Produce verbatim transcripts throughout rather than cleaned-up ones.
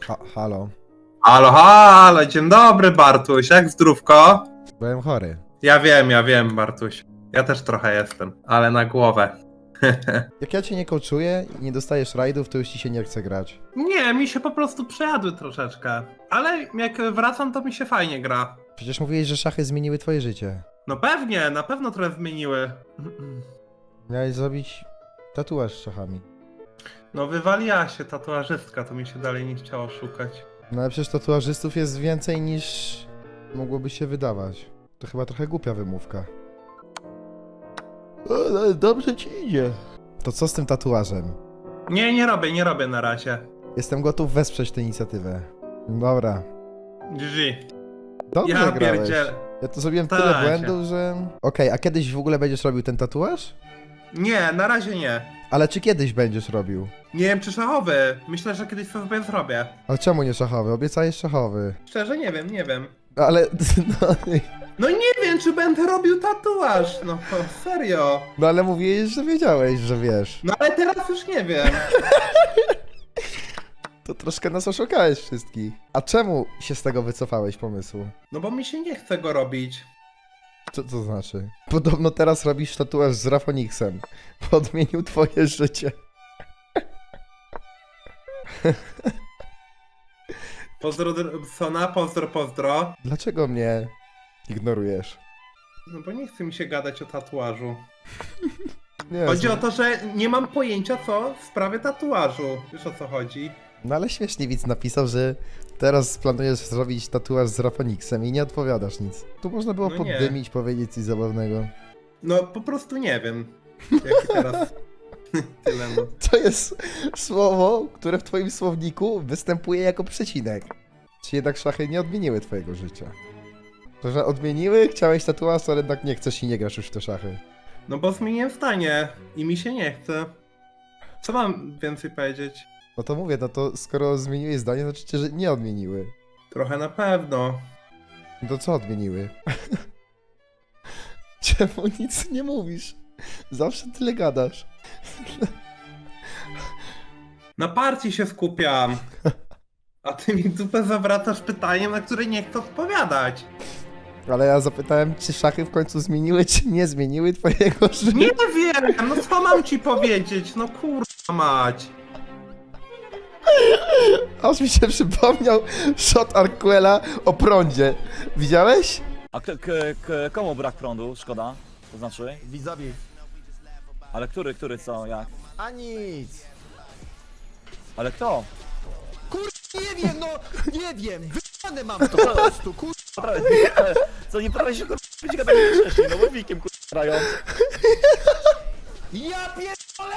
Ha, halo. Halo, halo, dzień dobry Bartuś, jak zdrówko? Byłem chory. Ja wiem, ja wiem Bartuś. Ja też trochę jestem, ale na głowę. Jak ja cię nie coachuję i nie dostajesz rajdów, to już ci się nie chce grać. Nie, mi się po prostu przejadły troszeczkę. Ale jak wracam, to mi się fajnie gra. Przecież mówiłeś, że szachy zmieniły twoje życie. No pewnie, na pewno trochę zmieniły. Miałeś zrobić tatuaż z szachami. No wywaliła się tatuażystka, to mi się dalej nie chciało szukać. No ale przecież tatuażystów jest więcej niż mogłoby się wydawać. To chyba trochę głupia wymówka. O, ale dobrze ci idzie. To co z tym tatuażem? Nie, nie robię, nie robię na razie. Jestem gotów wesprzeć tę inicjatywę. Dobra. G G. Dobrze Ja grałeś. pierdzielę. Ja to zrobiłem Tak, tyle się. błędów, że... Okej, a kiedyś w ogóle będziesz robił ten tatuaż? Nie, na razie nie. Ale czy kiedyś będziesz robił? Nie wiem czy szachowy. Myślę, że kiedyś sobie zrobię. Ale czemu nie szachowy? Obiecajesz szachowy. Szczerze nie wiem, nie wiem. Ale... No, No nie wiem, czy będę robił tatuaż, no serio. no ale mówiłeś, że wiedziałeś, że wiesz. No ale teraz już nie wiem. To troszkę nas oszukałeś wszystkich. A czemu się z tego wycofałeś pomysłu? No bo mi się nie chce go robić. Co to znaczy? Podobno teraz robisz tatuaż z Rafoniksem. Podmienił twoje życie. Pozdro Sona, pozdro, pozdro. Dlaczego mnie ignorujesz? No bo nie chce mi się gadać o tatuażu. Nie, Chodzi z- o to, że nie mam pojęcia co w sprawie tatuażu. Wiesz o co chodzi? No ale śmiesznie widz napisał, że teraz planujesz zrobić tatuaż z Rafoniksem i nie odpowiadasz nic. Tu można było No nie. poddymić, powiedzieć coś zabawnego. No po prostu nie wiem. Jaki teraz... Tyle no. To jest słowo, które w twoim słowniku występuje jako przecinek. Czy jednak szachy nie odmieniły twojego życia? To, że odmieniły, chciałeś tatuaż, ale jednak nie chcesz i nie grasz już w te szachy. No bo zmieniłem zdanie i mi się nie chce. Co mam więcej powiedzieć? No to mówię, no to skoro zmieniłeś zdanie, to znaczy, że nie odmieniły. Trochę na pewno. No to co odmieniły? Czemu nic nie mówisz? Zawsze tyle gadasz. Na partii się skupiam. A ty mi dupę zawracasz pytaniem, na które nie chcę odpowiadać. Ale ja zapytałem, czy szachy w końcu zmieniły, czy nie zmieniły twojego życia. Nie wiem, no co mam ci powiedzieć? No kurwa mać. Aż mi się przypomniał shot Arquela o prądzie. Widziałeś? A k- k- k- komu brak prądu? Szkoda? To znaczy? Widzowie. Ale który, który, co, jak? A nic. Ale kto? Nie wiem, no nie wiem. Wyjebane mam to po prostu, kur... Prawie, ale co, nie prawie się kurwa być gadali wcześniej, no łowikiem kurwa grają. Ja pierdolę!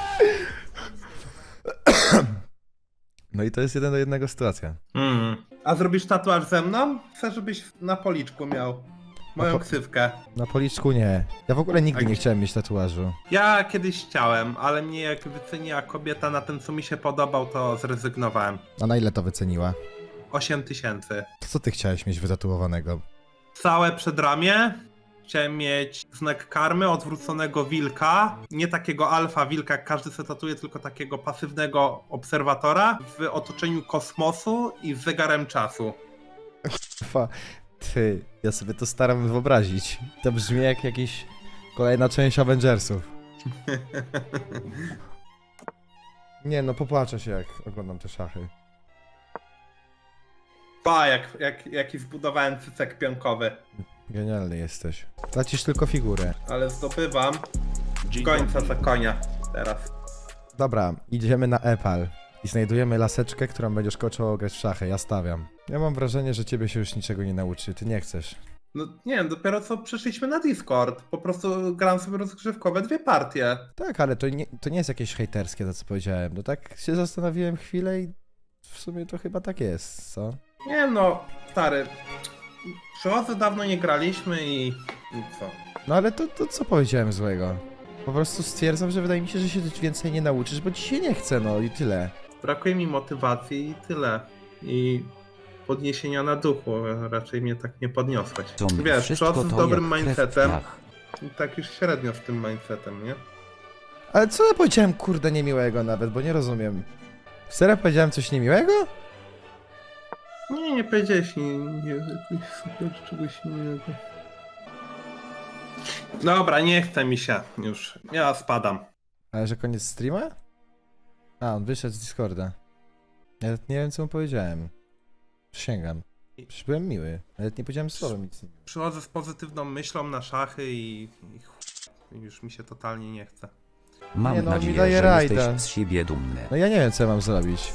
No i to jest jeden do jednego sytuacja. Hmm. A zrobisz tatuaż ze mną? Chcę, żebyś na policzku miał moją No po- ksywkę. Na policzku nie. Ja w ogóle nigdy A nie gdzie- chciałem mieć tatuażu. Ja kiedyś chciałem, ale mnie jak wyceniła kobieta na tym, co mi się podobał, to zrezygnowałem. A na ile to wyceniła? osiem tysięcy. To co ty chciałeś mieć wytatuowanego? Całe przedramię. Chciałem mieć znak karmy, odwróconego wilka. Nie takiego alfa wilka, jak każdy se tatuje, tylko takiego pasywnego obserwatora w otoczeniu kosmosu i z zegarem czasu. Fa, ty, ja sobie to staram wyobrazić. To brzmi jak jakiś kolejna część Avengersów. Nie no, popłaczę się jak oglądam te szachy. Pa, jak, jak, jaki zbudowałem cycek pionkowy. Genialny jesteś. Tracisz tylko figurę. Ale zdobywam końca za konia teraz. Dobra, idziemy na Epal i znajdujemy laseczkę, którą będziesz koczował grać w szachy. Ja stawiam. Ja mam wrażenie, że ciebie się już niczego nie nauczy. Ty nie chcesz. No nie wiem, dopiero co przyszliśmy na Discord. Po prostu gram sobie rozgrzewkowe dwie partie. Tak, ale to nie, to nie jest jakieś hejterskie to, co powiedziałem. No tak się zastanowiłem chwilę i w sumie to chyba tak jest, co? Nie no, stary. Przychodzę dawno nie graliśmy i... i co? No ale to, to co powiedziałem złego? Po prostu stwierdzam, że wydaje mi się, że się więcej nie nauczysz, bo ci się nie chce, no i tyle. Brakuje mi motywacji i tyle. I podniesienia na duchu. Raczej mnie tak nie podniosłeś. Wiesz, przychodzę z dobrym mindsetem. I tak już średnio z tym mindsetem, nie? Ale co ja powiedziałem, kurde, niemiłego nawet, bo nie rozumiem. Serio powiedziałem coś niemiłego? Nie, nie powiedziałeś nie, nie jakoś super czegoś innego. Dobra, nie chce mi się już. Ja spadam. Ale że koniec streama? A, on wyszedł z Discorda. Ja nawet nie wiem, co mu powiedziałem. Przysięgam. Przecież byłem miły. Nawet nie powiedziałem słowa nic. Przychodzę z pozytywną myślą na szachy i, i chuj, już mi się totalnie nie chce. Mam Nie no, mi nadzieję, daje że rajda. jesteś z siebie dumny. No ja nie wiem, co ja mam zrobić.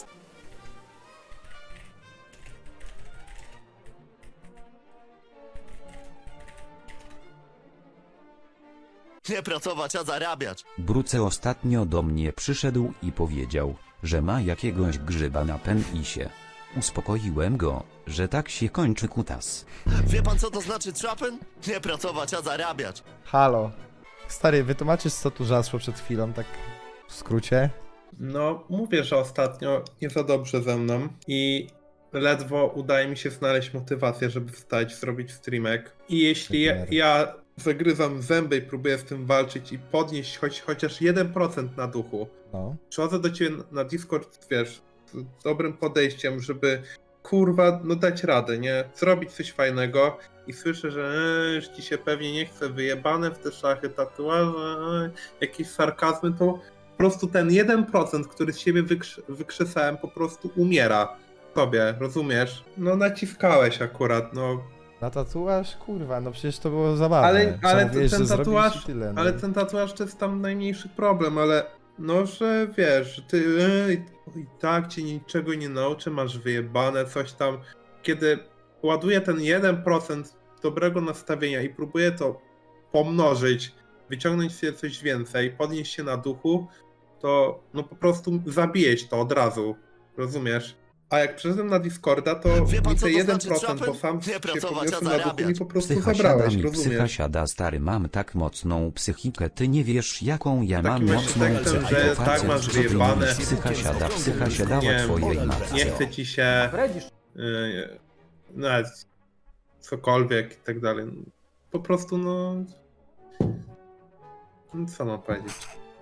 Nie pracować, a zarabiać. Bruce ostatnio do mnie przyszedł i powiedział, że ma jakiegoś grzyba na penisie. Uspokoiłem go, że tak się kończy kutas. Wie pan co to znaczy trapen? Nie pracować, a zarabiać. Halo. Stary, wytłumaczysz, co tu zaszło przed chwilą, tak w skrócie? No, mówię, że ostatnio nie za dobrze ze mną i ledwo udaje mi się znaleźć motywację, żeby wstać, zrobić streamek. I jeśli ja, ja zagryzam zęby i próbuję z tym walczyć i podnieść choć, chociaż jeden procent na duchu, No. przychodzę do ciebie na Discord, wiesz, z dobrym podejściem, żeby kurwa, no dać radę, nie? Zrobić coś fajnego i słyszę, że e, już ci się pewnie nie chce, wyjebane w te szachy, tatuaże, e, jakieś sarkazmy, to po prostu ten jeden procent, który z siebie wykrzy wykrzesałem, po prostu umiera tobie, rozumiesz? No naciskałeś akurat, no. Na tatuaż? Kurwa, no przecież to było zabawne. Ale, ale Zamówiłeś, ten że zrobisz tatuaż, i tyle, no. ale ten tatuaż to jest tam najmniejszy problem, ale no, że wiesz, że ty e, i tak cię niczego nie nauczy, masz wyjebane coś tam. Kiedy ładuję ten jeden procent dobrego nastawienia i próbuję to pomnożyć, wyciągnąć sobie coś więcej, podnieść się na duchu, to no po prostu zabijesz to od razu, rozumiesz? A jak przyszedłem na Discorda, to Wie pan, mi co te to jeden znaczy procent, bo trapen? sam Nie się pracować, a podniosłem na duchu, mi zarabiać. po prostu Psycha zabrałeś, siada mi, psycha rozumiesz? siada, stary, mam tak mocną psychikę, ty nie wiesz jaką ja Takim mam właśnie mocną tekstem, psychikę, że tak facet, masz co ty wyjebane. mówisz, psycha siada, psycha siadała Nie, twojej nie matce. chce ci się yy, nawet cokolwiek i tak dalej. Po prostu no... no co mam powiedzieć?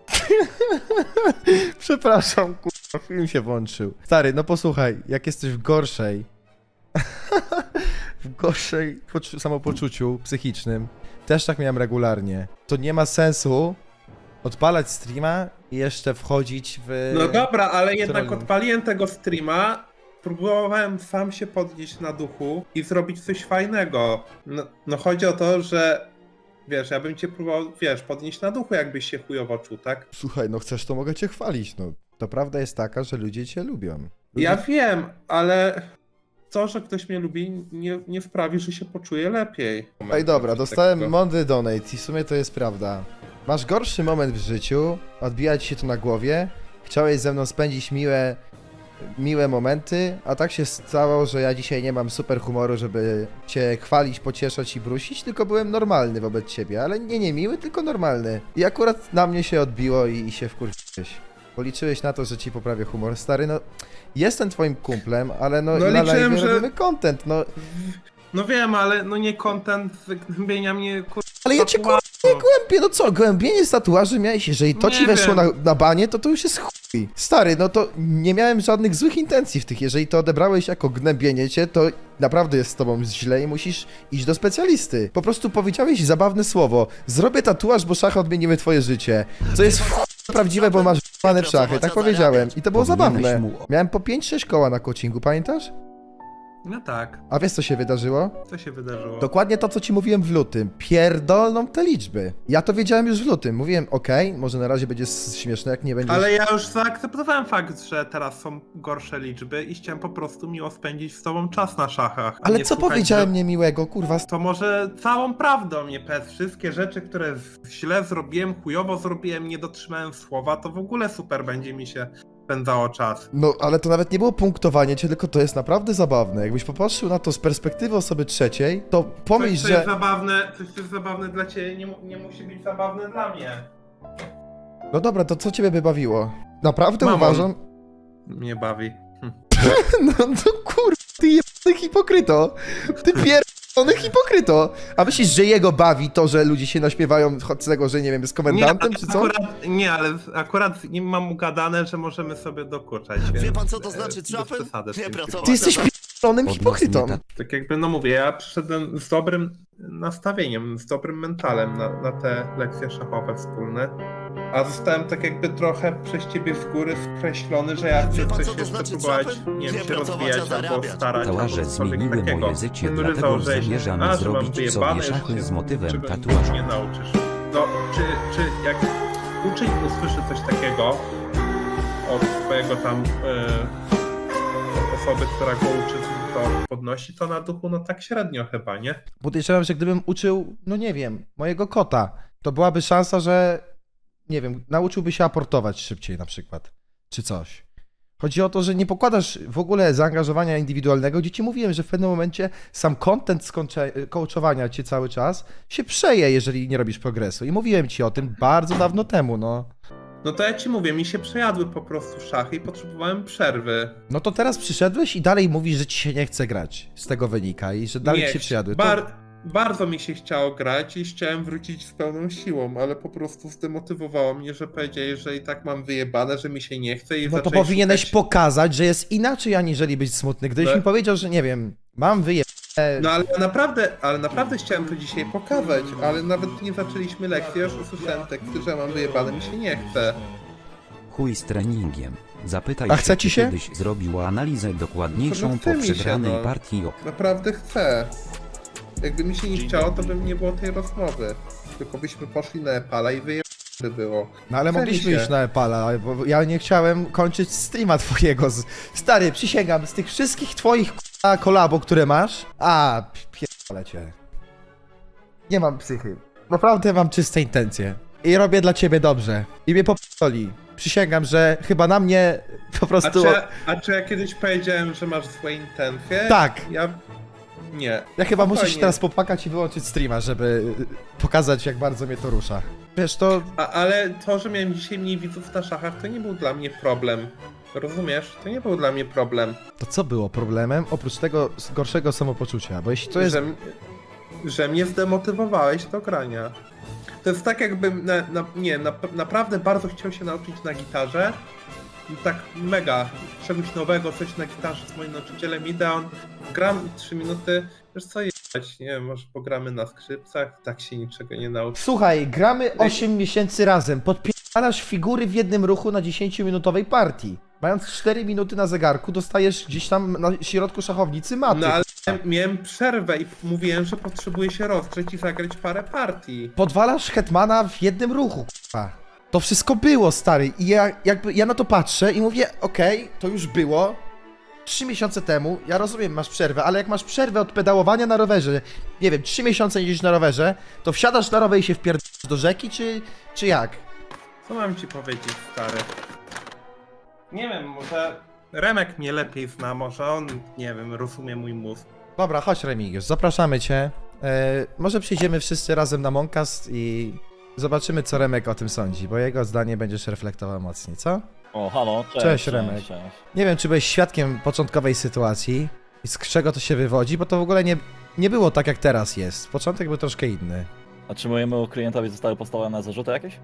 Przepraszam, kurwa, film się włączył. Stary, no posłuchaj, jak jesteś w gorszej, w gorszej poczu- samopoczuciu psychicznym, też tak miałem regularnie, to nie ma sensu odpalać streama i jeszcze wchodzić w... No dobra, ale jednak trolling. odpaliłem tego streama, próbowałem sam się podnieść na duchu i zrobić coś fajnego. No, no chodzi o to, że wiesz, ja bym cię próbował, wiesz, podnieść na duchu, jakbyś się chujowo czuł, tak? Słuchaj, no chcesz, to mogę cię chwalić, no. To prawda jest taka, że ludzie cię lubią. Ludzie... Ja wiem, ale to, że ktoś mnie lubi, nie, nie sprawi, że się poczuję lepiej. Ej, dobra, Coś dostałem takiego. mądry donate i w sumie to jest prawda. Masz gorszy moment w życiu, odbija ci się to na głowie, chciałeś ze mną spędzić miłe, miłe momenty, a tak się stało, że ja dzisiaj nie mam super humoru, żeby cię chwalić, pocieszać i brusić, tylko byłem normalny wobec ciebie, ale nie niemiły, tylko normalny. I akurat na mnie się odbiło i, i się wkurzyłeś. Policzyłeś na to, że ci poprawię humor. Stary, no, jestem twoim kumplem, ale no, No na liczyłem, live że- robimy content, no. No wiem, ale no nie content wygnębienia mnie, kur... Ale ja cię kurwa nie głębię, no co, głębienie z tatuaży miałeś, jeżeli to Nie ci weszło wiem. na, na banie, to to już jest chuj. Stary, no to nie miałem żadnych złych intencji w tych, jeżeli to odebrałeś jako gnębienie cię, to naprawdę jest z tobą źle i musisz iść do specjalisty. Po prostu powiedziałeś zabawne słowo, zrobię tatuaż, bo szachy odmieniły twoje życie, co jest w chuj prawdziwe, bo masz w***ane w szachy, tak powiedziałem i to było Powinieneś zabawne. mu- Miałem po pięć sześć koła na coachingu, pamiętasz? No tak, A wiesz co się wydarzyło? co się wydarzyło? Dokładnie to, co ci mówiłem w lutym. Pierdolną te liczby. Ja to wiedziałem już w lutym. Mówiłem, okej, może na razie będzie s- śmieszne, jak nie będzie. Ale ja już zaakceptowałem fakt, że teraz są gorsze liczby i chciałem po prostu miło spędzić z tobą czas na szachach. a Ale nie co słuchać, powiedziałem że- niemiłego, kurwa? To może całą prawdę o mnie powiedz. Wszystkie rzeczy, które z- źle zrobiłem, chujowo zrobiłem, nie dotrzymałem słowa, to w ogóle super będzie mi się spędzało czas. No, ale to nawet nie było punktowanie cię, tylko to jest naprawdę zabawne. Jakbyś popatrzył na to z perspektywy osoby trzeciej, to pomyśl, Coś, co jest że... zabawne, coś, co jest zabawne dla ciebie, nie, mu- nie musi być zabawne dla mnie. No dobra, to co ciebie by bawiło? Naprawdę Mamon. uważam... Mnie bawi. No, no kurwa, ty jebany hipokryto. Ty pierdolony hipokryto. A myślisz, że jego bawi to, że ludzie się naśmiewają z tego, że nie wiem, z komendantem, ale czy co? Akurat, nie, ale akurat nie mam ugadane, że możemy sobie dokuczać. Wie więc, pan co to e, znaczy bez trapen? przesady z Nie tym pracować. Ty jesteś a pi- p***lonym hipokrytą. Odnośnie Tak jakby, no mówię, ja przyszedłem z dobrym nastawieniem, z dobrym mentalem na, na te lekcje szachowe wspólne, a zostałem tak jakby trochę przez ciebie z góry skreślony, że ja Wie chcę pan, coś co to jeszcze znaczy próbować, trapem? nie Nie wiem, się pracować, a rozwijać albo zarabiać. starać, Tatuaże albo cokolwiek zmieniły takiego. moje życie, Henry dlatego założyłeś, zamierzamy a, że mam zrobić sobie wyjebane, że szachy się z motywem niczego tatuażu. nie nauczysz. No, czy, czy jak uczeń usłyszy coś takiego od swojego tam e, osoby, która go uczy, to podnosi to na duchu, no tak średnio chyba, nie? Podejrzewam, że gdybym uczył, no nie wiem, mojego kota, to byłaby szansa, że, nie wiem, nauczyłby się aportować szybciej na przykład, czy coś. Chodzi o to, że nie pokładasz w ogóle zaangażowania indywidualnego, gdzie ci mówiłem, że w pewnym momencie sam content z coache- coachowania cię cały czas się przeje, jeżeli nie robisz progresu. I mówiłem ci o tym bardzo dawno temu, no. No to ja ci mówię, mi się przejadły po prostu szachy i potrzebowałem przerwy. No to teraz przyszedłeś i dalej mówisz, że ci się nie chce grać. Z tego wynika i że dalej Nie, ci się przejadły. To... Bar- bardzo mi się chciało grać i chciałem wrócić z pełną siłą, ale po prostu zdemotywowało mnie, że powiedzieli, że i tak mam wyjebane, że mi się nie chce i No to zaczęli powinieneś szukać... pokazać, że jest inaczej, aniżeli być smutny. Gdybyś No. mi powiedział, że nie wiem, mam wyje... No ale naprawdę, ale naprawdę chciałem to dzisiaj pokazać, ale nawet nie zaczęliśmy lekcji, już usłyszałem teksty, że mam wyjebane, mi się nie chce. Chuj z treningiem. Zapytaj A chce się, ci czy się? kiedyś zrobił analizę dokładniejszą No chce po mi się, przegranej no. partii. Naprawdę chcę. Jakby mi się nie chciało, to by nie było tej rozmowy. Tylko byśmy poszli na Epala i wyjebane by było. No ale Chce mi mogliśmy się. iść na Epala, bo ja nie chciałem kończyć streama twojego. Z... Stary, przysięgam, z tych wszystkich twoich k***a kolabo, które masz, a pierdolę cię. Nie mam psychy. Naprawdę mam czyste intencje. I robię dla ciebie dobrze. I mnie popierdoli. Przysięgam, że chyba na mnie po A prostu... czy, a czy ja kiedyś powiedziałem, że masz złe intencje? Tak. Ja... Nie. Ja chyba muszę się Spokojnie. teraz popłakać i wyłączyć streama, żeby y, pokazać, jak bardzo mnie to rusza. Wiesz, to... A, ale to, że miałem dzisiaj mniej widzów na szachach, to nie był dla mnie problem. Rozumiesz? To nie był dla mnie problem. To co było problemem, oprócz tego s- gorszego samopoczucia? Bo jeśli to jest... Że, m- że mnie zdemotywowałeś do grania. To jest tak jakbym, na, na, nie, na, naprawdę bardzo chciał się nauczyć na gitarze. I tak mega, czegoś nowego, coś na gitarze z moim nauczycielem idę, on gram trzy minuty, wiesz co jechać, nie wiem, może pogramy na skrzypcach, tak się niczego nie nauczy. Słuchaj, gramy osiem miesięcy razem, podpierasz figury w jednym ruchu na dziesięciominutowej partii. Mając cztery minuty na zegarku, dostajesz gdzieś tam na środku szachownicy maty. No ale miałem przerwę i mówiłem, że potrzebuję się rozgrzeć i zagrać parę partii. Podwalasz hetmana w jednym ruchu, k***a. To wszystko było, stary. I ja jakby ja na to patrzę i mówię, okej, to już było. Trzy miesiące temu, ja rozumiem, masz przerwę, ale jak masz przerwę od pedałowania na rowerze, nie wiem, trzy miesiące jeździsz na rowerze, to wsiadasz na rower i się wpierdolasz do rzeki, czy, czy jak? Co mam ci powiedzieć, stary? Nie wiem, może Remek mnie lepiej zna, może on, nie wiem, rozumie mój mózg. Dobra, chodź Remigiusz, zapraszamy cię. E, może przyjdziemy wszyscy razem na Moncast i zobaczymy, co Remek o tym sądzi, bo jego zdanie będziesz reflektował mocniej, co? O, halo, cześć. Cześć, Remek. Cześć, cześć. Nie wiem, czy byłeś świadkiem początkowej sytuacji i z czego to się wywodzi, bo to w ogóle nie, nie było tak, jak teraz jest. Początek był troszkę inny. A czy mojemu klientowi zostały postawione zarzuty jakieś?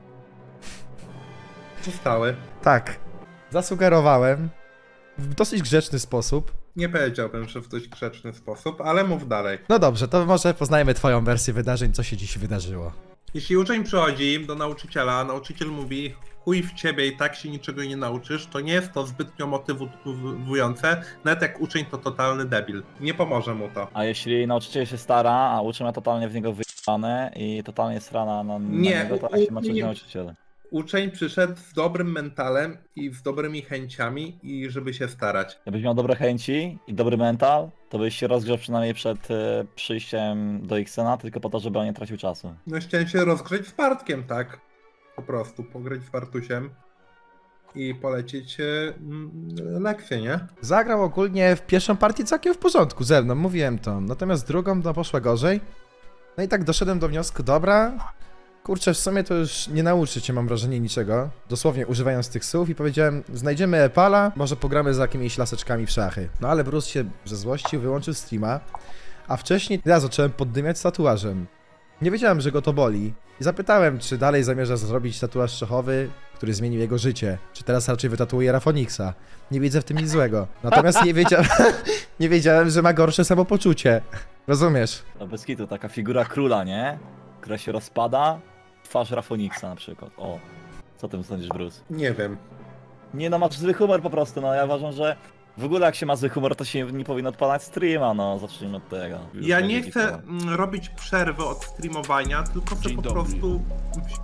Zostały. Tak. Zasugerowałem w dosyć grzeczny sposób. Nie powiedziałbym, że w dość grzeczny sposób, ale mów dalej. No dobrze, to może poznajmy twoją wersję wydarzeń, co się dziś wydarzyło. Jeśli uczeń przychodzi do nauczyciela, a nauczyciel mówi chuj w ciebie i tak się niczego nie nauczysz, to nie jest to zbytnio motywujące, nawet jak uczeń to totalny debil. Nie pomoże mu to. A jeśli nauczyciel się stara, a uczy ma totalnie w niego wyjebane i totalnie srana na, na Nie, niego, to u- jak się ma czuć nie. nauczyciel? Uczeń przyszedł z dobrym mentalem i z dobrymi chęciami i żeby się starać. Jakbyś miał dobre chęci i dobry mental, to byś się rozgrzał przynajmniej przed e, przyjściem do Xena, tylko po to, żeby on nie tracił czasu. No chciałem się rozgrzeć z Bartkiem, tak? Po prostu, pograć z Bartusiem i polecieć e, mm, lekcję, nie? Zagrał ogólnie w pierwszą partię całkiem w porządku ze mną, mówiłem to. Natomiast drugą to poszła gorzej. No i tak doszedłem do wniosku, dobra, kurczę, w sumie to już nie nauczy cię, mam wrażenie, niczego. Dosłownie używając tych słów i powiedziałem, znajdziemy Epala, może pogramy za jakimiś laseczkami w szachy. No ale Bruce się ze złości wyłączył streama, a wcześniej ja zacząłem poddymiać z tatuażem. Nie wiedziałem, że go to boli. I zapytałem, czy dalej zamierza zrobić tatuaż szechowy, który zmienił jego życie. Czy teraz raczej wytatuuje Rafoniksa. Nie widzę w tym nic złego. Natomiast nie wiedziałem, nie wiedziałem, że ma gorsze samopoczucie. Rozumiesz? No bez kitu, taka figura króla, nie? Która się rozpada, twarz Rafoniksa na przykład, o. Co ty sądzisz, Bruce? Nie wiem. Nie no, masz zły humor po prostu, no ja uważam, że w ogóle jak się ma zły humor, to się nie powinno odpalać streama, no zacznijmy od tego. Już Ja będzie nie chcę gitara. mm, robić przerwy od streamowania, tylko chcę Dzień po dobry. prostu wzi-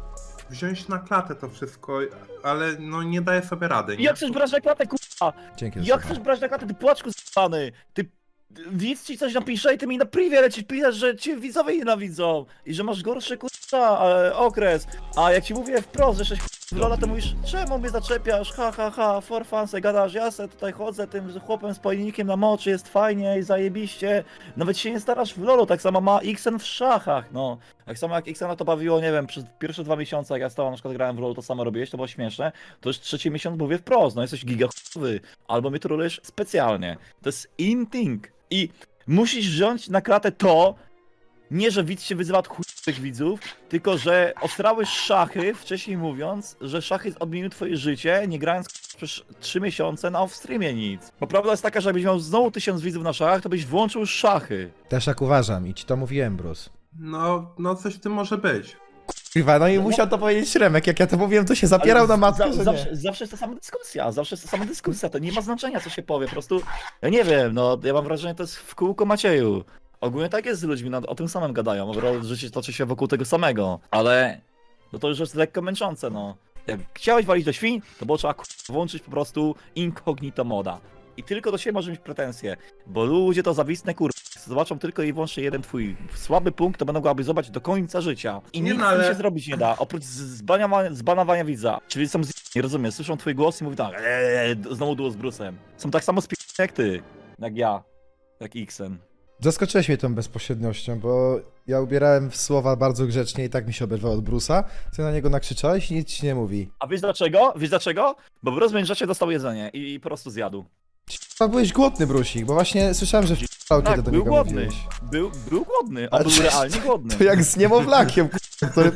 wziąć na klatę to wszystko, ale no nie daję sobie rady, nie? Jak chcesz brać na klatę, kurwa? Dzięki. za Jak słuchanie. chcesz brać na klatę, ty płaczku z***ny? Ty... Widz ci coś napisze i ty mi na privie lecisz, piszesz, że cię widzowie nienawidzą i że masz gorszy kurwa e, okres, a jak ci mówię wprost, że jesteś w lola, to mówisz, czemu mnie zaczepiasz, ha ha ha, for fun, se gadasz, ja se tutaj chodzę tym chłopem z pojemnikiem na moczy, jest fajnie i zajebiście, nawet się nie starasz w lolu, tak samo ma Xen w szachach, no. Tak samo jak Xena to bawiło, nie wiem, przez pierwsze dwa miesiące, jak ja stałem, na przykład grałem w lolu, to samo robiłeś, to było śmieszne, to już trzeci miesiąc mówię wprost, no jesteś giga chujowy, albo mnie trolujesz specjalnie, to jest in thing. I musisz wziąć na klatę to, nie że widz się wyzywa od chujowych widzów, tylko że ostrałeś szachy, wcześniej mówiąc, że szachy odmieniły twoje życie, nie grając przez trzy miesiące na off-streamie nic. Bo prawda jest taka, że jakbyś miał znowu tysiąc widzów na szachach, to byś włączył szachy. Też tak uważam i ci to mówiłem, Bruce. No, no coś w tym może być. Kurwa, no i musiał to powiedzieć Remek, jak ja to mówiłem, to się zapierał na matkę, za, że zawsze, nie. zawsze jest ta sama dyskusja, zawsze jest ta sama dyskusja, to nie ma znaczenia co się powie, po prostu, ja nie wiem, no ja mam wrażenie, to jest w kółko Macieju. Ogólnie tak jest z ludźmi, no, o tym samym gadają, bo życie toczy się wokół tego samego, ale no to już jest lekko męczące, no. Jak chciałeś walić do świń, to było trzeba k***a, włączyć po prostu incognito moda. I tylko do siebie może mieć pretensje, bo ludzie to zawistne kur... zobaczą tylko i wyłącznie jeden twój słaby punkt, to będą go aby zobaczyć do końca życia. I Nie, nic no, ale... ale- się zrobić nie da, oprócz z- zbanowania, zbanowania widza. Czyli są z... nie rozumiem, słyszą twój głos i mówią tak, eee, znowu było z Brusem. Są tak samo spi... jak ty, jak ja, jak Xen. Zaskoczyłeś mnie tą bezpośredniością, bo ja ubierałem w słowa bardzo grzecznie i tak mi się oberwał od Bruce'a. Ty na niego nakrzyczałeś i nic ci nie mówi. A wiesz dlaczego? Wiesz dlaczego? Bo Brus w międzyczasie dostał jedzenie i, i po prostu zjadł. A byłeś głodny, Brusik, bo właśnie słyszałem, że w***ał, Tak, kiedy do był niego głodny. mówiłeś. Był, był głodny, Ale on był to- realnie głodny. To jak z niemowlakiem, k***a, który...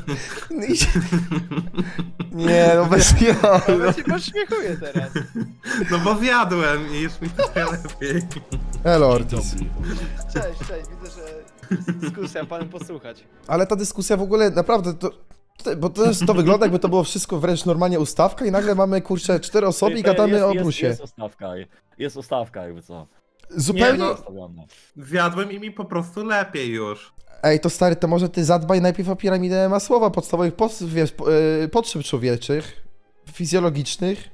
Nie, no bez jaj. Ja się pośmiechuję teraz. No bo zjadłem i już mi trochę lepiej. Elo, Ortiz. Cześć, cześć, widzę, że jest dyskusja, panem posłuchać. Ale ta dyskusja w ogóle naprawdę to... to- Bo to, jest, to wygląda jakby to było wszystko wręcz normalnie ustawka i nagle mamy, kurczę, cztery osoby i To gadamy jest, o jest, Bruce'ie. Jest ustawka, jest ustawka jakby co. Zupełnie... Nie, no. Ustawione. Zjadłem i mi po prostu lepiej już. Ej, to stary, to może ty zadbaj najpierw o piramidę masłowa, podstawowych pos, wiesz, po, yy, potrzeb człowieczych, fizjologicznych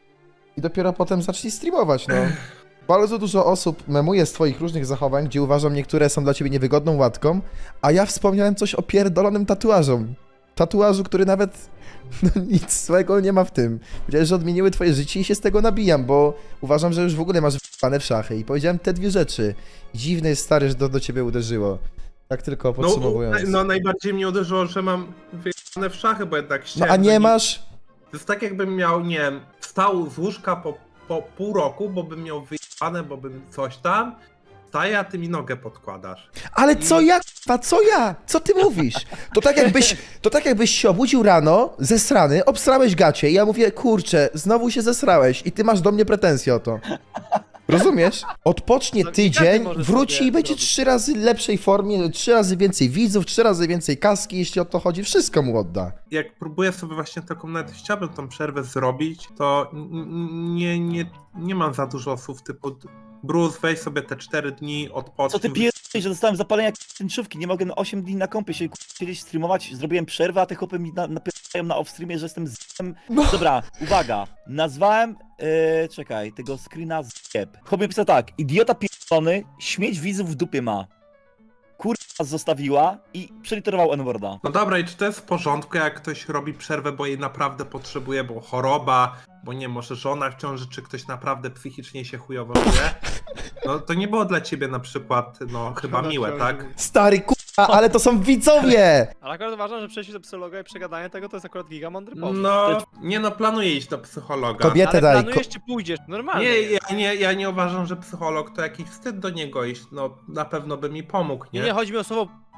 i dopiero potem zacznij streamować, no. Bardzo dużo osób memuje z twoich różnych zachowań, gdzie uważam niektóre są dla ciebie niewygodną łatką, a ja wspomniałem coś o pierdolonym tatuażu. Tatuażu, który nawet no, nic złego nie ma w tym. Powiedziałeś, że odmieniły twoje życie i się z tego nabijam, bo uważam, że już w ogóle masz w***ane w szachy i powiedziałem te dwie rzeczy. Dziwne jest, stary, że to do ciebie uderzyło. Tak tylko No, podsumowując. no najbardziej mnie uderzyło, że mam wyjebane w szachy, bo jednak No chciałem... a nie że masz? To jest tak jakbym miał, nie wiem, wstał z łóżka po, po pół roku, bo bym miał wyjebane, bo bym coś tam. Wstaję, a ty mi nogę podkładasz. Ale co ja, k***a, co ja? Co ty mówisz? To tak jakbyś, to tak jakbyś się obudził rano, zesrany, obsrałeś gacie i ja mówię, kurczę, znowu się zesrałeś i ty masz do mnie pretensje o to. Rozumiesz? Odpocznie No, każdy tydzień, może wróci sobie i będzie zrobić. trzy razy lepszej formie, trzy razy więcej widzów, trzy razy więcej kaski, jeśli o to chodzi, wszystko mu odda. Jak próbuję sobie właśnie taką, nawet chciałbym tą przerwę zrobić, to n- n- nie, nie, nie mam za dużo słów typu Bruce, weź sobie te cztery dni, odpocznij. Co ty pierdolisz, że dostałem zapalenia jak tęczówki, nie mogę na osiem dni na kąpie się k***a, siedzieć, streamować, zrobiłem przerwę, a te chłopy mi na, napierają na off-streamie, że jestem z***em. No. Dobra, uwaga, nazwałem, yy, czekaj, tego screena z***eb. Chłop mi pisał tak, idiota pierdolony, śmieć widzów w dupie ma. Kurwa zostawiła i przeliterował N-worda. No dobra, i czy to jest w porządku, jak ktoś robi przerwę, bo jej naprawdę potrzebuje, bo choroba, bo nie, może żona w ciąży, czy ktoś naprawdę psychicznie się chujowo czuje? No to nie było dla ciebie na przykład, no chyba miłe, tak? Stary k***a, ale to są widzowie! Ale akurat uważam, że przejście do psychologa i przegadanie tego to jest akurat giga mądry pomysł. No, nie no, planuję iść do psychologa. Kobietę Ale daj. planujesz czy pójdziesz? Normalnie. Nie, jest. ja nie, ja nie uważam, że psycholog to jakiś wstyd do niego iść, no na pewno by mi pomógł, Nie, nie? nie, chodzi mi o słowo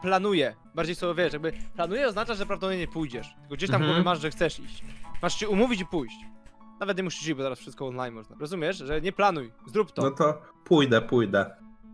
planuję. Bardziej sobie wiesz, jakby planuję oznacza, że prawdopodobnie nie pójdziesz. Tylko gdzieś tam w Mhm. głowie masz, że chcesz iść. Masz się umówić i pójść. Nawet nie musisz iść, bo teraz wszystko online można. Rozumiesz? Że nie planuj, zrób to. No to pójdę, pójdę.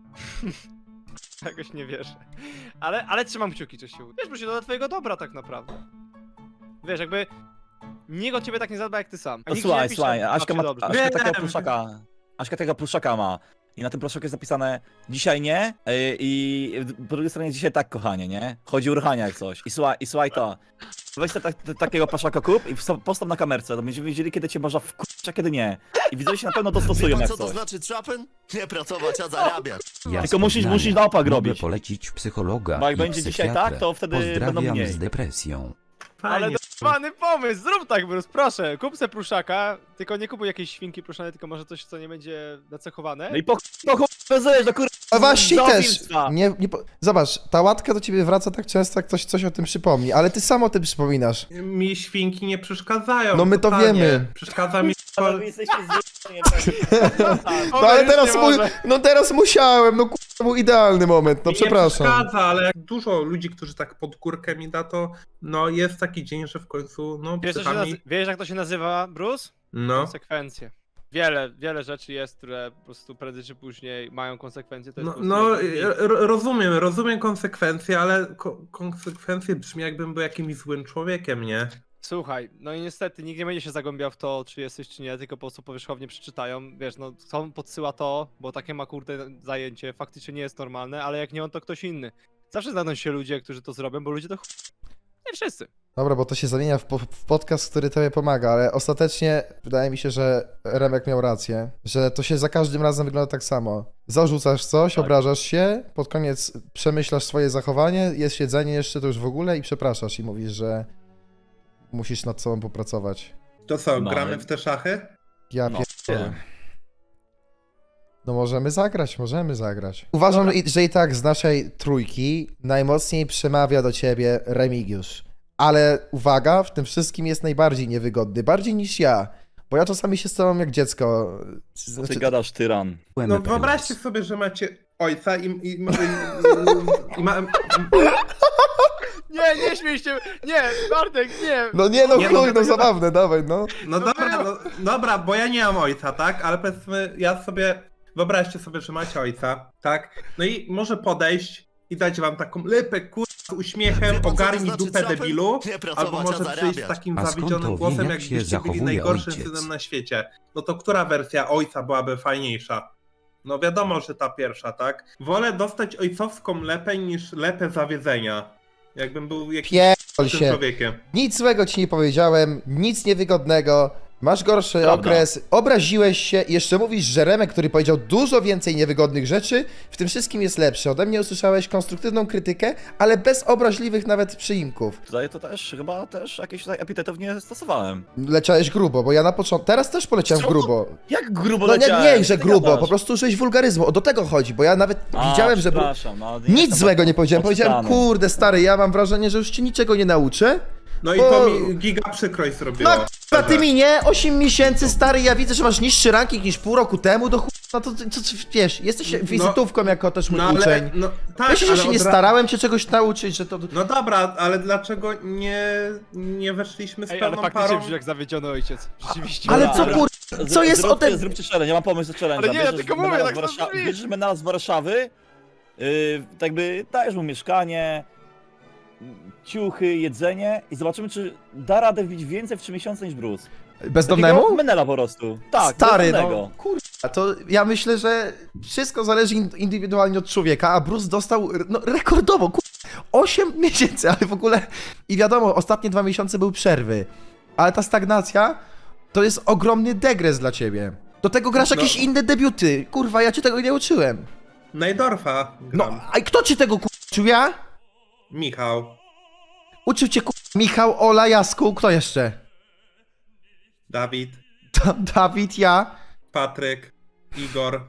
Jakoś nie wierzę. Ale, ale trzymam kciuki, coś się uda. Wiesz, bo się to dla twojego dobra tak naprawdę. Wiesz, jakby nikt o ciebie tak nie zadba jak ty sam. A No nikt ci słuchaj, nie pisze, słuchaj, "Baw Aśka się ma, dobrze". Aśka Wiem. takiego pluszaka, Aśka takiego pluszaka ma. I na tym pluszaku jest napisane dzisiaj nie yy, i po drugiej stronie dzisiaj tak, kochanie, nie? Chodzi o ruchania jak coś. I słuchaj, i słuchaj to. Weź te, te, takiego pluszaka kup i wsta- postaw na kamerce, to będziemy wiedzieli kiedy cię można wkurzyć, a kiedy nie. I widzowie się na pewno Wie dostosują pan, jak co to coś. znaczy trapen? Nie pracować, a zarabiać. Ja Tylko musisz- Poznania. musisz na opak Mogę robić. polecić psychologa Bo jak i będzie dzisiaj psychiatrę. tak, to wtedy Pozdrawiam będą mniej. z depresją. Ale Fajnie. dowany pomysł, zrób tak, Bruce, proszę. Kup se pluszaka, tylko nie kupuj jakiejś świnki pluszane, tylko może coś, co nie będzie nacechowane. No i po po chuj vezujesz do kurwa. A właśnie też. zoofilstwa. Nie, nie, po- Zobacz, ta łatka do ciebie wraca tak często, jak ktoś coś o tym przypomni, ale ty sam o tym przypominasz. Mi świnki nie przeszkadzają. No my to totalnie. wiemy. Przeszkadza mi Ale wy jesteście zjebani, No ale teraz, mu, no teraz musiałem, no kurwa, to był idealny moment, no Mi przepraszam. Nie przeszkadza, ale jak dużo ludzi, którzy tak pod górkę mi da, to no jest taki dzień, że w końcu no Wiesz, co się psychami... nazy- wiesz jak to się nazywa, Bruce? No. Konsekwencje. Wiele, wiele rzeczy jest, które po prostu prędzej czy później mają konsekwencje. To jest No, po prostu no jeden r- rozumiem, rozumiem konsekwencje, ale ko konsekwencje brzmi jakbym był jakimś złym człowiekiem, nie? Słuchaj, no i niestety nikt nie będzie się zagłębiał w to, czy jesteś, czy nie, tylko po prostu powierzchownie przeczytają. Wiesz, no on podsyła to, bo takie ma kurde zajęcie, faktycznie nie jest normalne, ale jak nie on, to ktoś inny. Zawsze znajdą się ludzie, którzy to zrobią, bo ludzie to ch... Nie wszyscy. Dobra, bo to się zamienia w, po, w podcast, który tobie pomaga, ale ostatecznie wydaje mi się, że Remek miał rację, że to się za każdym razem wygląda tak samo. Zarzucasz coś, Tak. obrażasz się, pod koniec przemyślasz swoje zachowanie, jest siedzenie jeszcze to już w ogóle i przepraszasz i mówisz, że musisz nad sobą popracować. To co, No, gramy ale- w te szachy? Ja No, pierdolę. No możemy zagrać, możemy zagrać. Uważam, i- że i tak z naszej trójki najmocniej przemawia do ciebie Remigiusz. Ale uwaga, w tym wszystkim jest najbardziej niewygodny, bardziej niż ja. Bo ja czasami się z tobą jak dziecko. Co Znaczy, ty gadasz, tyran? No wyobraźcie sobie, że macie ojca i... i, i, i, i ma, Nie, nie śmiej się! Nie, Bartek, nie! no nie no, Nie, chuj, no, no to- zabawne, dawaj, no. no dobra, no, dobra, bo ja nie mam ojca, tak? Ale powiedzmy, ja sobie... Wyobraźcie sobie, że macie ojca, tak? No i może podejść i dać wam taką lypę, kur... z uśmiechem, Wie pan, co to ogarnij znaczy dupę trapen? debilu, Nie pracować, albo a może zarabiać. przyjść z takim A skąd zawiedzionym to wie, głosem, jak się jakbyście byli zachowuje najgorszym ojciec? synem na świecie. No to która wersja ojca byłaby fajniejsza? No wiadomo, że ta pierwsza, tak? Wolę dostać ojcowską lepę niż lepę zawiedzenia. Jakbym był jakimś Pierdol tym się. człowiekiem. Nic złego ci nie powiedziałem, nic niewygodnego. Masz gorszy Prawda. okres, obraziłeś się i jeszcze mówisz, że Remek, który powiedział dużo więcej niewygodnych rzeczy, w tym wszystkim jest lepszy. Ode mnie usłyszałeś konstruktywną krytykę, ale bez obraźliwych nawet przyimków. Tutaj to też, chyba też jakieś tutaj epitetów nie stosowałem. Leciałeś grubo, bo ja na początku, teraz też poleciałem Co? grubo. Jak grubo No nie, leciałem? nie, że Co ty grubo, gadasz? po prostu użyłeś wulgaryzmu, o do tego chodzi, bo ja nawet A, widziałem, że... bru- przepraszam, no, nie Nic jestem złego nie tak powiedziałem, powiedziałem, odczytany. kurde stary, ja mam wrażenie, że już ci niczego nie nauczę. No i Bo- to mi giga przykrość zrobiło. No k***a, ty mi nie, osiem miesięcy stary, ja widzę, że masz niższy ranking niż pół roku temu, do chuj, no to, to, to wiesz, jesteś wizytówką jako też mój No ale, uczeń. no tak, Myślisz, że ale się nie od ra- starałem cię czegoś nauczyć, że to... No dobra, ale dlaczego nie, nie weszliśmy z Ej, ale pełną faktycznie parą? brzmi jak zawiedziony ojciec. Rzeczywiście. Ale Dobra, co dobra. kur... Z- Co jest zrób, o tym... Zróbcie challenge, ja mam pomysł na challenge. Ale nie, ja tylko mówię, tak to Warsza- brzmi. Bierzesz menela z Warszawy, yy, tak jakby dajesz mu mieszkanie, ciuchy, jedzenie i zobaczymy, czy da radę wbić więcej w trzy miesiące niż Bruce. Bezdomnemu? Takiego menela po prostu. Tak, Stary, bezdomnego. no kurwa, to ja myślę, że wszystko zależy in- indywidualnie od człowieka, a Bruce dostał no, rekordowo, kurwa, osiem miesięcy, ale w ogóle... I wiadomo, ostatnie dwa miesiące były przerwy, ale ta stagnacja to jest ogromny degres dla ciebie. Do tego grasz No. jakieś inne debiuty, kurwa, ja cię tego nie uczyłem. Najdorfa No, gram. a kto ci tego kurwa uczył, ja? Michał. Uczył cię kurwa Michał, Ola, Jasku, kto jeszcze? Dawid. Da- Dawid, ja, Patryk. Igor.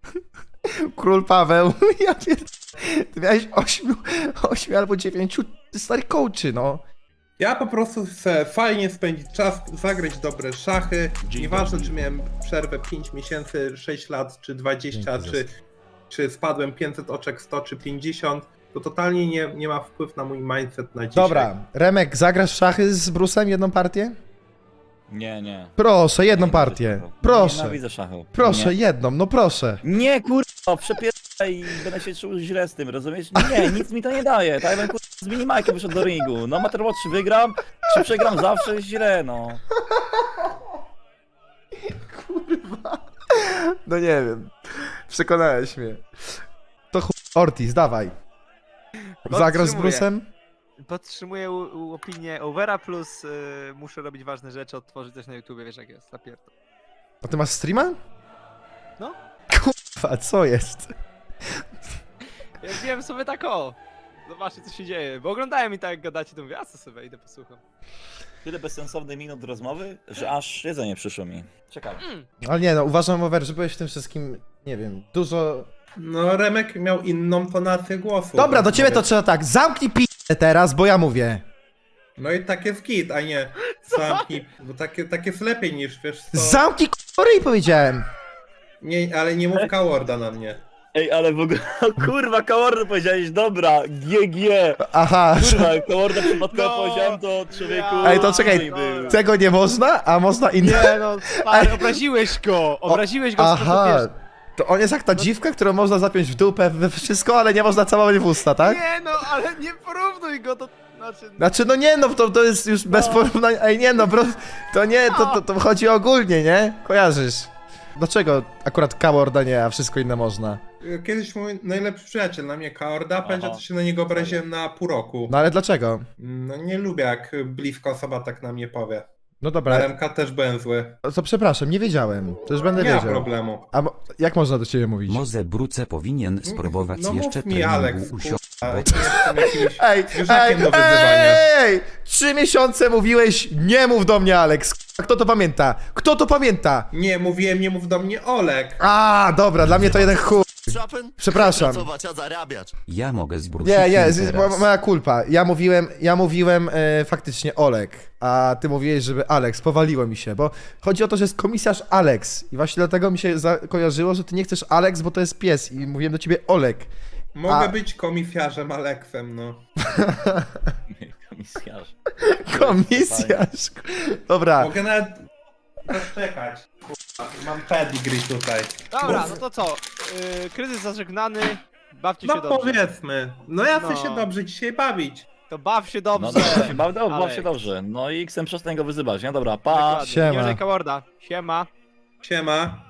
Król Paweł, ja pierd... Ty miałeś ośmiu, ośmiu albo dziewięciu starych coachy, no. Ja po prostu chcę fajnie spędzić czas, zagrać dobre szachy. Nieważne, czy miałem przerwę pięć miesięcy, sześć lat, czy dwadzieścia, Dzięki, czy, czy spadłem pięćset oczek, sto czy pięćdziesiąt. to totalnie nie, nie ma wpływu na mój mindset na dzisiaj. Dobra, Remek, zagrasz w szachy z Brusem jedną partię? Nie, nie. Proszę, jedną Nienawidzę partię. szachów. Proszę, Nienawidzę szachów. proszę, Nie, jedną, no proszę. nie kurwa, przepierdolę i będę się czuł źle z tym, rozumiesz? Nie, nic mi to nie daje. Tak jakbym kurwa z minimajkiem wyszedł do ringu. No Matter czy wygram, czy przegram zawsze jest źle, no. No nie wiem. Przekonałeś mnie. To chuj. Ortiz, dawaj. Zagrasz z Podtrzymuję. Brusem? Podtrzymuję u, u opinię Overa, plus y, muszę robić ważne rzeczy, odtworzyć coś na YouTubie, wiesz jak jest, zapierdol. A ty masz streama? No. Kurwa, co jest? Ja wiem sobie tak o, zobaczcie co się dzieje, bo oglądałem i tak jak gadacie, to mówię, a co sobie, idę posłucham. Tyle bezsensownych minut rozmowy, że aż jedzenie przyszło mi. Czekaj. Ale nie no, uważam, Over, że byłeś w tym wszystkim, nie wiem, dużo... No Remek miał inną tonację głosu. Dobra, do ciebie to Mówię, trzeba tak, zamknij p***ę teraz, bo ja mówię. No i tak jest git, a nie zamknij, bo takie, tak jest lepiej niż, wiesz co... Zamknij k***y, powiedziałem. Nie, ale nie mów Kaworda na mnie. Ej, ale w ogóle, kurwa, Kaworda powiedziałeś, dobra, G G. Aha, Kurwa, Kaworda przypadkowo No, powiedziałem to człowieku. ja- Ej, to czekaj, był. tego nie można, a można inne. Nie no, stary, obraziłeś go, obraziłeś go w sposób, Aha, wiesz, to on jest jak ta dziwka, którą można zapiąć w dupę, we wszystko, ale nie można całować w usta, tak? Nie no, ale nie porównuj go do... Znaczy... Znaczy, no nie no, to, to jest już bez porównania, ej nie no, bro, to nie, to, to, to chodzi ogólnie, nie? Kojarzysz. Dlaczego akurat Kaworda nie, a wszystko inne można? Kiedyś mój najlepszy przyjaciel na mnie Kaworda, będzie to się na niego obraziłem na pół roku. No ale dlaczego? No nie lubię jak bliska osoba tak na mnie powie. No Na dobra, Remka też byłem zły. to przepraszam, nie wiedziałem, to już będę Nie ma wiedział. problemu. A mo- jak można do ciebie mówić? Moze Bruce powinien spróbować No mów jeszcze mi, Alex, treningu u kurwa, sio- nie jestem jakimś Ej, zwierzakiem ej, do wyzywania. ej! Trzy miesiące mówiłeś, nie mów do mnie, Alex. Kto to pamięta? Kto to pamięta? Nie, mówiłem, nie mów do mnie Olek. A, dobra, dla mnie to jeden chuj. Szapen? Przepraszam. Pracować, a zarabiać. Ja mogę z Bruce'em Nie, nie, z- teraz. mo- moja kulpa. Ja mówiłem, ja mówiłem e, faktycznie Olek, a ty mówiłeś, żeby Alex, powaliło mi się, bo chodzi o to, że jest komisarz Alex i właśnie dlatego mi się kojarzyło, że ty nie chcesz Alex, bo to jest pies i mówiłem do ciebie Olek. Mogę A- być komisarzem Aleksem, no. Komisarz. Komisarz. Dobra, Mogę nawet zaczekać. Kurwa, mam pedigree tutaj. Dobra, no to co, yy, kryzys zażegnany, bawcie się No dobrze. powiedzmy. No ja chcę No. się dobrze dzisiaj bawić. To baw się dobrze. No dobra, baw, baw, baw się Alek. dobrze. No i chcę przestań go wyzywać, nie? Dobra, pa. Dokładnie. Siema. Nie użej Kaworda. Siema. Siema.